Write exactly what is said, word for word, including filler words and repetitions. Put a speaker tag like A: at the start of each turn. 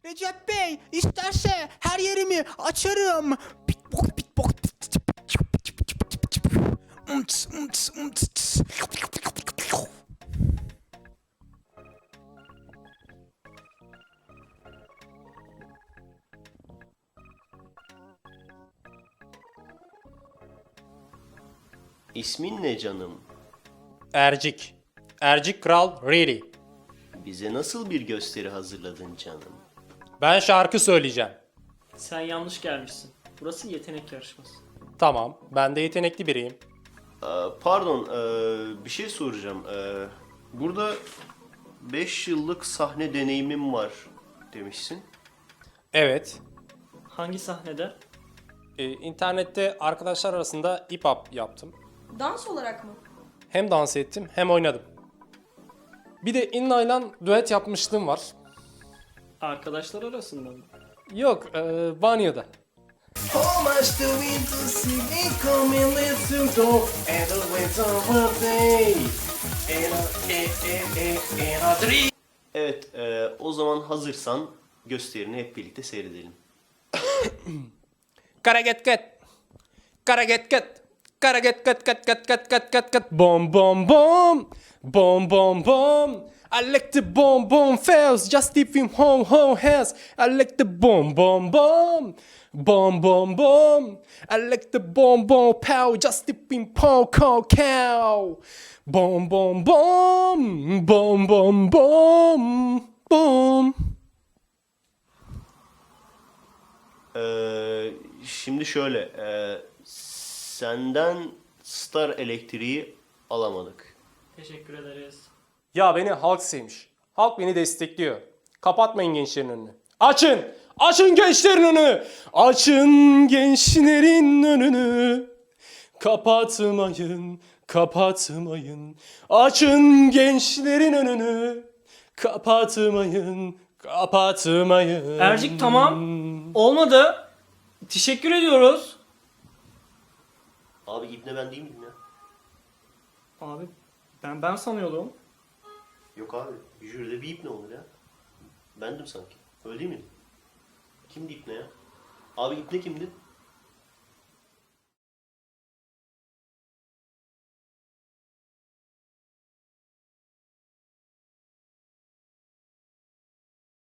A: Recep Bey isterse her yerimi açarım. Pitbok pitbok. Umts, umts, umts.
B: İsmin ne canım?
C: Ercik. Ercik Kral Riri.
B: Bize nasıl bir gösteri hazırladın canım?
C: Ben şarkı söyleyeceğim.
D: Sen yanlış gelmişsin. Burası yetenek yarışması.
C: Tamam, ben de yetenekli biriyim.
B: Ee, pardon, ee, bir şey soracağım. Ee, burada beş yıllık sahne deneyimim var demişsin.
C: Evet,
D: Hangi sahnede?
C: e, internette arkadaşlar arasında hip hop yaptım.
E: Dans olarak mı?
C: Hem dans ettim hem oynadım. Bir de Inna'yla düet yapmışlığım var.
D: Arkadaşlar arasında mı?
C: Yok, e, banyoda.
B: Evet, ee, o zaman hazırsan gösterini hep birlikte seyredelim.
C: Kara get get. Kara get get. Kara get get get get get get get get. Bom bom bom. Bom bom bom. I like the bom bom fails. Just if him home home has. I like the bom bom bom. Bom bom bom. I like the bom bom pow. Just if him pow cow cow. Bom bom bom. Bom bom bom. Bom.
B: Ee, şimdi şöyle, ee, senden Star Elektriği alamadık.
D: Teşekkür ederiz.
C: Ya beni halk sevmiş. Halk beni destekliyor. Kapatmayın gençlerin önünü. Açın! Açın gençlerin önünü! Açın gençlerin önünü. Kapatmayın, kapatmayın. Açın gençlerin önünü. Kapatmayın, kapatmayın.
D: Ercik tamam. Olmadı. Teşekkür ediyoruz.
B: Abi İbne ben değil miydim ya?
D: Abi ben ben sanıyordum.
B: Yok abi, jüride bir İbne olur ya. Bendim sanki. Öyle değil miydi? Kimdi İbne ya? Abi İbne kimdi?